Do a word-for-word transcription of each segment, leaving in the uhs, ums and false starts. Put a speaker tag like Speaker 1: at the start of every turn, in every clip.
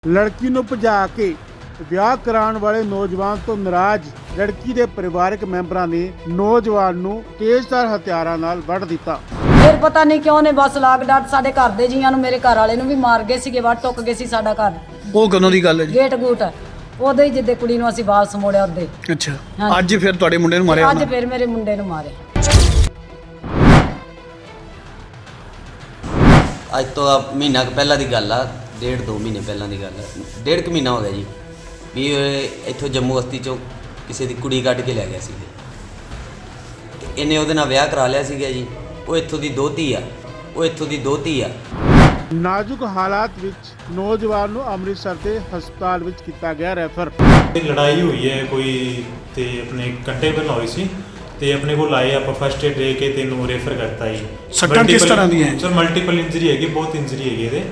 Speaker 1: ਲੜਕੀ ਨੂੰ ਭਜਾ ਕੇ ਵਿਆਹ ਕਰਾਉਣ ਵਾਲੇ ਨੌਜਵਾਨ ਤੋਂ ਨਾਰਾਜ਼ ਲੜਕੀ ਦੇ ਪਰਿਵਾਰਕ ਮੈਂਬਰਾਂ ਨੇ ਨੌਜਵਾਨ ਨੂੰ ਤੇਜ਼ਧਾਰ ਹਥਿਆਰਾਂ ਨਾਲ ਵੱਢ ਦਿੱਤਾ।
Speaker 2: ਫਿਰ ਪਤਾ ਨਹੀਂ ਕਿਉਂ ਨੇ ਬਸ ਲਾਗ ਡਾਟ ਸਾਡੇ ਘਰ ਦੇ ਜੀਆਂ ਨੂੰ ਮੇਰੇ ਘਰ ਵਾਲੇ ਨੂੰ ਵੀ ਮਾਰ ਗਏ ਸੀਗੇ, ਵੱਢ ਟੁੱਕ ਗਏ ਸੀ ਸਾਡਾ ਘਰ।
Speaker 3: ਉਹ ਕਦੋਂ ਦੀ ਗੱਲ ਹੈ ਜੀ?
Speaker 2: ਗੇਟ ਗੂਟ ਉਹਦੇ ਹੀ ਜਿੱਦੇ ਕੁੜੀ ਨੂੰ ਅਸੀਂ ਵਾਪਸ ਮੋੜਿਆ ਉਹਦੇ।
Speaker 3: ਅੱਛਾ, ਅੱਜ ਫਿਰ ਤੁਹਾਡੇ ਮੁੰਡੇ ਨੂੰ ਮਾਰਿਆ?
Speaker 2: ਅੱਜ ਫਿਰ ਮੇਰੇ ਮੁੰਡੇ ਨੂੰ ਮਾਰੇ।
Speaker 4: ਅੱਜ ਤੋਂ ਆ ਮਹੀਨਾ ਕੁ ਪਹਿਲਾਂ ਦੀ ਗੱਲ ਆ, ਡੇਢ ਦੋ ਮਹੀਨੇ ਪਹਿਲਾਂ ਦੀ ਗੱਲ ਆ, ਡੇਢ ਕੁ ਮਹੀਨਾ ਹੋ ਗਿਆ ਜੀ ਵੀ ਇੱਥੋਂ ਜੰਮੂ ਬਸਤੀ ਚੋਂ ਕਿਸੇ ਦੀ ਕੁੜੀ ਕੱਢ ਕੇ ਲੈ ਗਿਆ ਸੀ। ਇਹਨੇ ਉਹਦੇ ਨਾਲ ਵਿਆਹ ਕਰਾ ਲਿਆ ਸੀਗਾ ਜੀ। ਉਹ ਇੱਥੋਂ ਦੀ ਦੋਤੀ ਆ ਉਹ ਇੱਥੋਂ ਦੀ ਦੋਤੀ ਆ
Speaker 1: ਨਾਜ਼ੁਕ ਹਾਲਾਤ ਵਿੱਚ ਨੌਜਵਾਨ ਨੂੰ ਅੰਮ੍ਰਿਤਸਰ ਦੇ ਹਸਪਤਾਲ ਵਿੱਚ ਕੀਤਾ ਗਿਆ ਰੈਫਰ।
Speaker 5: ਲੜਾਈ ਹੋਈ ਹੈ ਕੋਈ ਤੇ ਆਪਣੇ ਘੰਟੇ ਪਹਿਲਾਂ ਹੋਈ ਸੀ ਤੇ ਆਪਣੇ ਕੋਲ ਆਏ ਆਪਾਂ ਫਸਟ ਏਡ ਦੇ ਕੇ ਤੈਨੂੰ ਰੈਫਰ ਕਰਤਾ ਜੀ।
Speaker 3: ਸੱਟਾਂ ਕਿਸ ਤਰ੍ਹਾਂ ਦੀਆਂ ਹੈ?
Speaker 5: ਸਰ ਮਲਟੀਪਲ ਇੰਜਰੀ ਹੈਗੀ, ਬਹੁਤ ਇੰਜਰੀ ਹੈਗੀ ਇਹਦੇ।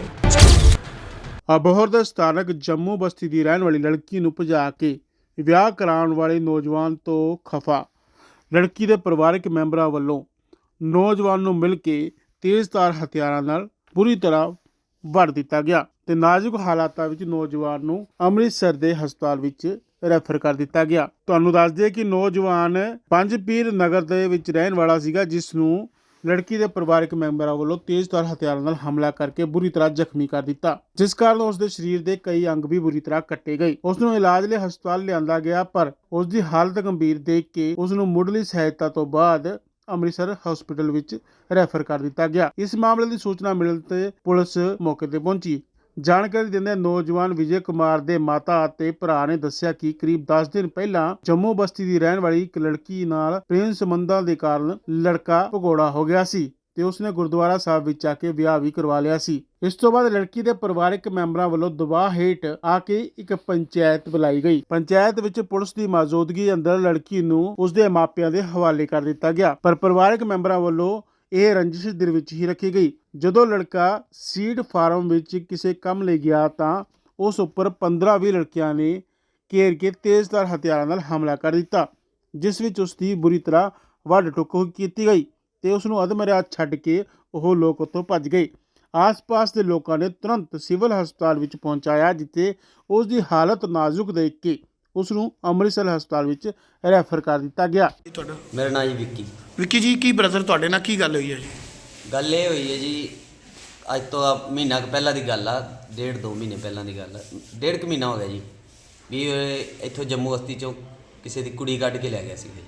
Speaker 1: ਅਬੋਹਰ ਦੇ ਸਥਾਨਕ ਜੰਮੂ ਬਸਤੀ ਦੀ ਰਹਿਣ ਵਾਲੀ ਲੜਕੀ ਨੂੰ ਭਜਾ ਕੇ ਵਿਆਹ ਕਰਾਉਣ ਵਾਲੇ ਨੌਜਵਾਨ ਤੋਂ ਖਫਾ ਲੜਕੀ ਦੇ ਪਰਿਵਾਰਕ ਮੈਂਬਰਾਂ ਵੱਲੋਂ ਨੌਜਵਾਨ ਨੂੰ ਮਿਲ ਕੇ ਤੇਜ਼ਧਾਰ ਹਥਿਆਰਾਂ ਨਾਲ ਬੁਰੀ ਤਰ੍ਹਾਂ ਵੱਢ ਦਿੱਤਾ ਗਿਆ ਤੇ ਨਾਜ਼ੁਕ ਹਾਲਾਤਾਂ ਵਿੱਚ ਨੌਜਵਾਨ ਨੂੰ ਅੰਮ੍ਰਿਤਸਰ ਦੇ ਹਸਪਤਾਲ ਵਿੱਚ ਰੈਫਰ ਕਰ ਦਿੱਤਾ ਗਿਆ। ਤੁਹਾਨੂੰ ਦੱਸ ਦਈਏ ਕਿ ਨੌਜਵਾਨ ਪੰਜ ਪੀਰ ਨਗਰ ਦੇ ਵਿੱਚ ਰਹਿਣ ਵਾਲਾ ਸੀਗਾ, ਜਿਸ ਨੂੰ ਲੜਕੀ ਦੇ ਪਰਿਵਾਰਕ ਮੈਂਬਰਾਂ ਵੱਲੋਂ ਤੇਜ਼ਧਾਰ ਹਥਿਆਰਾਂ ਨਾਲ ਹਮਲਾ ਕਰਕੇ ਬੁਰੀ ਤਰ੍ਹਾਂ ਜ਼ਖਮੀ ਕਰ ਦਿੱਤਾ, ਜਿਸ ਕਾਰਨ ਉਸ ਦੇ ਸਰੀਰ ਦੇ ਕਈ ਅੰਗ ਵੀ ਬੁਰੀ ਤਰ੍ਹਾਂ ਕੱਟੇ ਗਏ। ਉਸ ਨੂੰ ਇਲਾਜ ਲਈ ਹਸਪਤਾਲ ਲਿਆਂਦਾ ਗਿਆ, ਪਰ ਉਸ ਦੀ ਹਾਲਤ ਗੰਭੀਰ ਦੇਖ ਕੇ ਉਸ ਨੂੰ ਮੁੱਢਲੀ ਸਹਾਇਤਾ ਤੋਂ ਬਾਅਦ ਅੰਮ੍ਰਿਤਸਰ ਹਸਪਤਾਲ ਵਿੱਚ ਰੈਫਰ ਕਰ ਦਿੱਤਾ ਗਿਆ। ਇਸ ਮਾਮਲੇ ਦੀ ਸੂਚਨਾ ਮਿਲਣ ਤੇ ਪੁਲਿਸ ਮੌਕੇ ਤੇ ਪਹੁੰਚੀ। ਜਾਣਕਾਰੀ ਦਿੰਦੇ ਨੌਜਵਾਨ ਵਿਜੇ ਕੁਮਾਰ ਦੇ ਮਾਤਾ ਅਤੇ ਭਰਾ ਨੇ ਦੱਸਿਆ ਕਿ ਕਰੀਬ ਦਸ ਦਿਨ ਪਹਿਲਾਂ ਜੰਮੂ ਬਸਤੀ ਦੀ ਰਹਿਣ ਵਾਲੀ ਇੱਕ ਲੜਕੀ ਨਾਲ ਪ੍ਰੇਮ ਸੰਬੰਧਾਂ ਦੇ ਕਾਰਨ ਲੜਕਾ ਭਗੌੜਾ ਹੋ ਗਿਆ ਸੀ ਤੇ ਉਸਨੇ ਗੁਰਦੁਆਰਾ ਸਾਹਿਬ ਵਿੱਚ ਆ ਕੇ ਵਿਆਹ ਵੀ ਕਰਵਾ ਲਿਆ ਸੀ। ਇਸ ਤੋਂ ਬਾਅਦ ਲੜਕੀ ਦੇ ਪਰਿਵਾਰਕ ਮੈਂਬਰਾਂ ਵੱਲੋਂ ਦਬਾਅ ਹੇਠ ਆ ਕੇ ਇੱਕ ਪੰਚਾਇਤ ਬੁਲਾਈ ਗਈ। ਪੰਚਾਇਤ ਵਿੱਚ ਪੁਲਿਸ ਦੀ ਮੌਜੂਦਗੀ ਅੰਦਰ ਲੜਕੀ ਨੂੰ ਉਸਦੇ ਮਾਪਿਆਂ ਦੇ ਹਵਾਲੇ ਕਰ ਦਿੱਤਾ ਗਿਆ, ਪਰ ਪਰਿਵਾਰਕ ਮੈਂਬਰਾਂ ਵੱਲੋਂ ਇਹ ਰੰਜਿਸ਼ ਦਿਲ ਵਿੱਚ ਹੀ ਰੱਖੀ ਗਈ। ਜਦੋਂ ਲੜਕਾ ਸੀਡ ਫਾਰਮ ਵਿੱਚ ਕਿਸੇ ਕੰਮ ਲਈ ਗਿਆ ਤਾਂ ਉਸ ਉੱਪਰ ਪੰਦਰਾਂ ਵੀਹ ਲੜਕਿਆਂ ਨੇ ਘੇਰ ਕੇ ਤੇਜ਼ਧਾਰ ਹਥਿਆਰਾਂ ਨਾਲ ਹਮਲਾ ਕਰ ਦਿੱਤਾ, ਜਿਸ ਵਿੱਚ ਉਸ ਦੀ ਬੁਰੀ ਤਰ੍ਹਾਂ ਵੱਢ ਟੁੱਕ ਕੀਤੀ ਗਈ ਤੇ ਉਸ ਨੂੰ ਅਧਮਰਿਆ ਛੱਡ ਕੇ ਉਹ ਲੋਕ ਉੱਥੋਂ ਭੱਜ ਗਏ। ਆਸ-ਪਾਸ ਦੇ ਲੋਕਾਂ ਨੇ ਤੁਰੰਤ ਸਿਵਲ ਹਸਪਤਾਲ ਵਿੱਚ ਪਹੁੰਚਾਇਆ, ਜਿੱਥੇ ਉਸ ਦੀ ਹਾਲਤ ਨਾਜ਼ੁਕ ਦੇਖ ਕੇ ਉਸ ਨੂੰ ਅੰਮ੍ਰਿਤਸਰ ਹਸਪਤਾਲ ਵਿੱਚ ਰੈਫਰ ਕਰ ਦਿੱਤਾ ਗਿਆ।
Speaker 3: ਤੁਹਾਡਾ?
Speaker 4: ਮੇਰਾ ਨਾਂ ਜੀ ਵਿੱਕੀ।
Speaker 3: ਵਿੱਕੀ ਜੀ, ਕੀ ਬ੍ਰਦਰ ਤੁਹਾਡੇ ਨਾਲ ਕੀ ਗੱਲ ਹੋਈ ਹੈ ਜੀ?
Speaker 4: ਗੱਲ ਇਹ ਹੋਈ ਹੈ ਜੀ, ਅੱਜ ਤੋਂ ਆ ਮਹੀਨਾ ਕੁ ਪਹਿਲਾਂ ਦੀ ਗੱਲ ਆ, ਡੇਢ ਦੋ ਮਹੀਨੇ ਪਹਿਲਾਂ ਦੀ ਗੱਲ ਆ, ਡੇਢ ਕੁ ਮਹੀਨਾ ਹੋ ਗਿਆ ਜੀ ਵੀ ਇੱਥੋਂ ਜੰਮੂ ਬਸਤੀ ਚੋਂ ਕਿਸੇ ਦੀ ਕੁੜੀ ਕੱਢ ਕੇ ਲੈ ਗਿਆ ਸੀਗਾ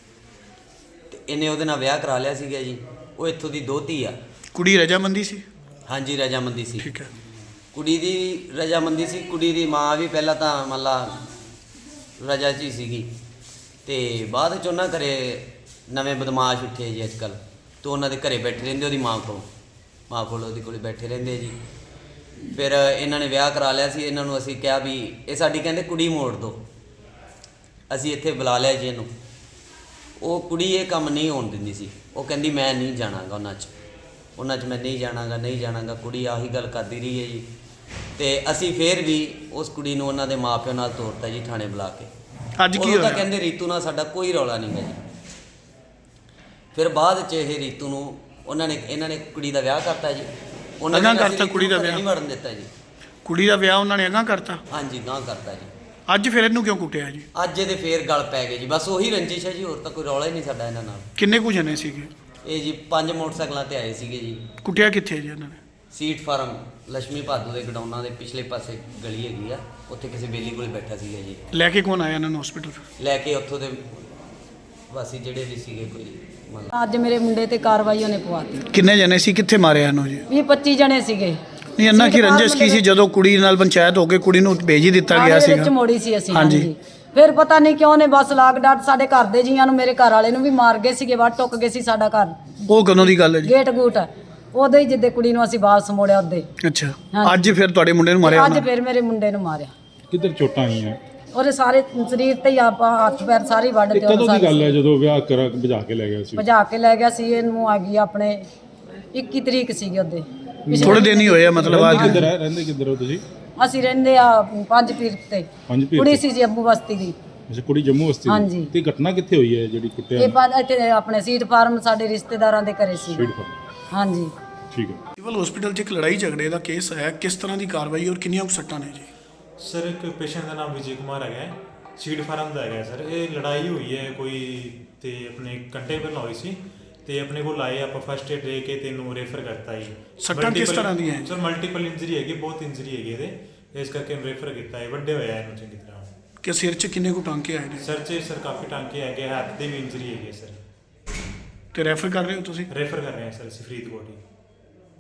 Speaker 4: ਤੇ ਇਹਨੇ ਉਹਦੇ ਨਾਲ ਵਿਆਹ ਕਰਾ ਲਿਆ ਸੀਗਾ ਜੀ। ਉਹ ਇੱਥੋਂ ਦੀ ਦੋਤੀ ਆ।
Speaker 3: ਕੁੜੀ ਰਜਾਮੰਦੀ ਸੀ?
Speaker 4: ਹਾਂਜੀ, ਰਜਾਮੰਦੀ ਸੀ।
Speaker 3: ਠੀਕ ਹੈ।
Speaker 4: ਕੁੜੀ ਦੀ ਰਜਾਮੰਦੀ ਸੀ। ਕੁੜੀ ਦੀ ਮਾਂ ਵੀ ਪਹਿਲਾਂ ਤਾਂ ਮੰਨ ਲਾ ਰਜਾ 'ਚ ਹੀ ਸੀਗੀ ਤੇ ਬਾਅਦ 'ਚ ਉਹਨਾਂ ਘਰੇ ਨਵੇਂ ਬਦਮਾਸ਼ ਉੱਠੇ ਜੀ ਅੱਜ ਕੱਲ੍ਹ, ਤੋਂ ਉਹਨਾਂ ਦੇ ਘਰੇ ਬੈਠੇ ਰਹਿੰਦੇ, ਉਹਦੀ ਮਾਂ ਕੋਲ ਮਾਂ ਕੋਲ ਉਹਦੇ ਕੋਲ ਬੈਠੇ ਰਹਿੰਦੇ ਜੀ। ਫਿਰ ਇਹਨਾਂ ਨੇ ਵਿਆਹ ਕਰਾ ਲਿਆ ਸੀ। ਇਹਨਾਂ ਨੂੰ ਅਸੀਂ ਕਿਹਾ ਵੀ ਇਹ ਸਾਡੀ ਕਹਿੰਦੇ ਕੁੜੀ ਮੋੜ ਦਿਓ। ਅਸੀਂ ਇੱਥੇ ਬੁਲਾ ਲਿਆ ਜੀ ਇਹਨੂੰ। ਉਹ ਕੁੜੀ ਇਹ ਕੰਮ ਨਹੀਂ ਹੋਣ ਦਿੰਦੀ ਸੀ। ਉਹ ਕਹਿੰਦੀ ਮੈਂ ਨਹੀਂ ਜਾਣਾਗਾ ਉਹਨਾਂ 'ਚ ਉਹਨਾਂ 'ਚ ਮੈਂ ਨਹੀਂ ਜਾਣਾਗਾ ਨਹੀਂ ਜਾਣਾਗਾ ਕੁੜੀ ਆਹੀ ਗੱਲ ਕਰਦੀ ਰਹੀ ਹੈ ਜੀ। ਤੇ ਅਸੀਂ ਫਿਰ ਵੀ ਉਸ ਕੁੜੀ ਨੂੰ ਉਹਨਾਂ ਦੇ ਮਾਪਿਓ ਨਾਲ ਤੋਰਤਾ ਜੀ ਥਾਣੇ ਬੁਲਾ ਕੇ।
Speaker 3: ਅੱਜ ਕੀ
Speaker 4: ਹੋਇਆ?
Speaker 3: ਹੋਇਆ?
Speaker 4: ਕਹਿੰਦੇ ਰੀਤੂ ਨਾਲ ਸਾਡਾ ਕੋਈ ਰੌਲਾ ਨਹੀਂ ਹੈ ਜੀ। ਫਿਰ ਬਾਅਦ 'ਚ ਇਹ ਰੀਤੂ ਨੂੰ ਉਹਨਾਂ ਨੇ ਇਹਨਾਂ ਨੇ ਕੁੜੀ ਦਾ ਵਿਆਹ ਕਰਤਾ ਜੀ। ਉਹਨਾਂ
Speaker 3: ਅਗਾਂਹ
Speaker 4: ਨੇ
Speaker 3: ਕਰਤਾ ਕੁੜੀ ਦਾ ਵਿਆਹ?
Speaker 4: ਨਹੀਂ ਵੜਨ ਦਿੱਤਾ ਜੀ।
Speaker 3: ਕੁੜੀ ਦਾ ਵਿਆਹ ਉਹਨਾਂ ਨੇ ਅਗਾਂਹ ਕਰਤਾ?
Speaker 4: ਹਾਂਜੀ, ਗਾਂਹ ਕਰਤਾ ਜੀ।
Speaker 3: ਅੱਜ ਫਿਰ ਇਹਨੂੰ ਕਿਉਂ ਕੁੱਟਿਆ ਜੀ?
Speaker 4: ਅੱਜ ਇਹਦੇ ਫੇਰ ਗਲ ਪੈ ਗਏ ਜੀ। ਬਸ ਉਹੀ ਰੰਜਿਸ਼ ਹੈ ਜੀ, ਹੋਰ ਤਾਂ ਕੋਈ ਰੌਲਾ ਹੀ ਨਹੀਂ ਸਾਡਾ ਇਹਨਾਂ ਨਾਲ।
Speaker 3: ਕਿੰਨੇ ਕੁ ਜਣੇ ਸੀਗੇ?
Speaker 4: ਇਹ ਜੀ ਪੰਜ ਮੋਟਰਸਾਈਕਲਾਂ ਤੇ ਆਏ ਸੀਗੇ ਜੀ।
Speaker 3: ਕੁੱਟਿਆ ਕਿੱਥੇ ਜੀ ਇਹਨਾਂ ਨੇ?
Speaker 4: ਸੀਟ ਫਾਰਮ ਲక్ష్ਮੀ ਭਾਦੂ ਦੇ ਗਡਾਊਨਾਂ ਦੇ ਪਿਛਲੇ ਪਾਸੇ ਗਲੀ ਹੈਗੀ ਆ, ਉੱਥੇ ਕਿਸੇ ਬੇਲੀ ਕੋਲ ਬੈਠਾ ਸੀਗਾ ਜੀ।
Speaker 3: ਲੈ ਕੇ ਕੌਣ ਆਇਆ ਇਹਨਾਂ ਨੂੰ ਹਸਪੀਟਲ?
Speaker 4: ਲੈ ਕੇ ਉੱਥੋਂ ਦੇ ਵਾਸੀ ਜਿਹੜੇ ਵੀ ਸੀਗੇ ਕੋਈ ਮਤਲਬ।
Speaker 2: ਅੱਜ ਮੇਰੇ ਮੁੰਡੇ ਤੇ ਕਾਰਵਾਈ ਉਹਨੇ ਪਵਾਤੀ।
Speaker 3: ਕਿੰਨੇ ਜਣੇ ਸੀ? ਕਿੱਥੇ ਮਾਰਿਆ ਇਹਨੂੰ ਜੀ?
Speaker 2: ਵੀਹ ਪੱਚੀ ਜਣੇ ਸੀਗੇ।
Speaker 3: ਨਹੀਂ, ਇੰਨਾ ਕੀ ਰੰਜਿਸ਼ ਕੀ ਸੀ ਜਦੋਂ ਕੁੜੀ ਨਾਲ ਪੰਚਾਇਤ ਹੋ ਕੇ ਕੁੜੀ ਨੂੰ ਭੇਜ ਹੀ ਦਿੱਤਾ ਗਿਆ
Speaker 2: ਥਾਣੇ ਵਿੱਚ
Speaker 3: ਸੀਗਾ?
Speaker 2: ਮੋੜੀ ਸੀ ਅਸੀਂ।
Speaker 3: ਹਾਂਜੀ।
Speaker 2: ਹਾਂਜੀ। ਫਿਰ ਪਤਾ ਨਹੀਂ ਕਿਉਂ ਨੇ ਬਸ ਲਾਗ ਡਾਟ ਸਾਡੇ ਘਰ ਦੇ ਜੀਆਂ ਨੂੰ ਮੇਰੇ ਘਰ ਵਾਲੇ ਨੂੰ ਵੀ ਮਾਰ ਗਏ ਸੀਗੇ, ਵੱਢ ਟੁੱਕ ਗਏ ਸੀ ਸਾਡਾ ਘਰ।
Speaker 3: ਉਹ ਕਦੋਂ ਦੀ ਗੱਲ ਹੈ ਜੀ?
Speaker 2: ਗੇਟ ਗੂਟ ਉਹਦੇ ਹੀ ਜਿੱਦੇ ਕੁੜੀ ਨੂੰ ਅਸੀਂ ਵਾਪਸ ਮੋੜਿਆ ਉਹਦੇ।
Speaker 3: ਅੱਛਾ,
Speaker 2: ਹਾਂਜੀ।
Speaker 3: ਅੱਜ ਫਿਰ ਤੁਹਾਡੇ ਮੁੰਡੇ ਨੂੰ ਮਾਰਿਆ
Speaker 2: ਅੱਜ
Speaker 3: ਉਹਨਾਂ?
Speaker 2: ਫਿਰ ਮੇਰੇ ਮੁੰਡੇ ਨੂੰ ਮਾਰਿਆ।
Speaker 6: ਕਿੱਧਰ ਚੋਟਾਂ ਆਈਆਂ?
Speaker 2: ਉਹਦੇ ਸਾਰੇ ਸਰੀਰ ਤੇ ਹੀ ਆਪਾਂ ਹੱਥ ਪੈਰ ਸਾਰੇ ਵੱਢ
Speaker 6: ਇਹ
Speaker 2: ਤੇ
Speaker 6: ਕਦੋਂ ਦੀ ਗੱਲ ਹੈ ਜਦੋਂ ਵਿਆਹ ਕਰਾ ਭਜਾ ਕੇ ਲੈ ਗਿਆ ਸੀ?
Speaker 2: ਭਜਾ ਕੇ ਲੈ ਗਿਆ ਸੀ। ਇਹਨੂੰ ਆ ਗਈ ਆਪਣੇ ਇੱਕੀ ਤਰੀਕ ਸੀਗੀ ਉਹਦੇ।
Speaker 3: ਥੋੜੇ ਦਿਨ ਹੀ ਹੋਏ ਆ ਮਤਲਬ?
Speaker 6: ਰਹਿੰਦੇ
Speaker 3: ਅੱਜ
Speaker 6: ਕਿੱਧਰ ਹੈ? ਰਹਿੰਦੇ ਕਿੱਧਰ ਹੋ ਤੁਸੀਂ?
Speaker 2: ਅਸੀਂ ਰਹਿੰਦੇ ਆ ਪੰਜ ਪੀਰ ਤੇ।
Speaker 6: ਪੰਜ ਪੀਰ
Speaker 2: ਕੁੜੀ
Speaker 6: ਤੇ?
Speaker 2: ਸੀ ਜੰਮੂ ਬਸਤੀ ਦੀ।
Speaker 6: ਅੱਛਾ, ਕੁੜੀ ਜੰਮੂ ਬਸਤੀ ਦੀ?
Speaker 2: ਹਾਂਜੀ।
Speaker 6: ਤੇ ਘਟਨਾ ਕਿੱਥੇ ਹੋਈ ਹੈ ਜਿਹੜੀ ਕੁੱਟਿਆ?
Speaker 2: ਇਹ ਪੰਜ ਇੱਥੇ ਆਪਣੇ ਸੀਟ ਫਾਰਮ ਸਾਡੇ ਰਿਸ਼ਤੇਦਾਰਾਂ ਦੇ ਘਰੇ ਸੀ।
Speaker 6: Seat farm.
Speaker 2: ਹਾਂਜੀ।
Speaker 6: ਠੀਕ ਹੈ।
Speaker 3: ਸਿਵਲ ਹਸਪੀਟਲ 'ਚ ਇੱਕ ਲੜਾਈ ਝਗੜੇ ਦਾ ਕੇਸ ਹੈ, ਕਿਸ ਤਰ੍ਹਾਂ ਦੀ ਕਾਰਵਾਈ ਔਰ ਕਿੰਨੀਆਂ ਕੁ ਸੱਟਾਂ ਨੇ ਜੀ?
Speaker 5: ਸਰ ਇੱਕ ਪੇਸ਼ੈਂਟ ਦਾ ਨਾਮ ਵਿਜੇ ਕੁਮਾਰ ਹੈਗਾ ਹੈ, ਸੀਡ ਫਾਰਮ ਦਾ ਹੈਗਾ ਹੈ ਸਰ। ਇਹ ਲੜਾਈ ਹੋਈ ਹੈ ਕੋਈ ਤੇ ਆਪਣੇ ਘੰਟੇ ਪਹਿਲਾਂ ਹੋਈ ਸੀ ਤੇ ਆਪਣੇ ਕੋਲ ਆਏ, ਆਪਾਂ ਫਸਟ ਏਡ ਦੇ ਕੇ ਤੈਨੂੰ ਰੈਫਰ ਕਰਤਾ ਜੀ।
Speaker 3: ਸੱਟਾਂ ਕਿਸ ਤਰ੍ਹਾਂ ਦੀਆਂ ਹੈ?
Speaker 5: ਸਰ ਮਲਟੀਪਲ ਇੰਜਰੀ ਹੈਗੀ, ਬਹੁਤ ਇੰਜਰੀ ਹੈਗੀ ਇਹਦੇ, ਇਸ ਕਰਕੇ ਰੈਫਰ ਕੀਤਾ ਹੈ। ਵੱਡੇ ਹੋਇਆ ਇਹਨੂੰ ਚੰਗੀ ਤਰ੍ਹਾਂ।
Speaker 3: ਕਿ ਸਿਰ 'ਚ ਕਿੰਨੇ ਕੁ ਟਾਂਕੇ ਆਏ ਨੇ?
Speaker 5: ਸਰ 'ਚ ਸਰ ਕਾਫੀ ਟਾਂਕੇ ਹੈਗੇ, ਹੱਥ ਦੇ ਵੀ ਇੰਜਰੀ ਹੈਗੀ ਹੈ ਸਰ।
Speaker 3: ਤੇ ਰੈਫਰ ਕਰ ਰਹੇ ਹੋ ਤੁਸੀਂ?
Speaker 5: ਰੈਫਰ ਕਰ ਰਹੇ ਹਾਂ ਸਰ ਅਸੀਂ ਫਰੀਦਕੋਟ ਹੀ।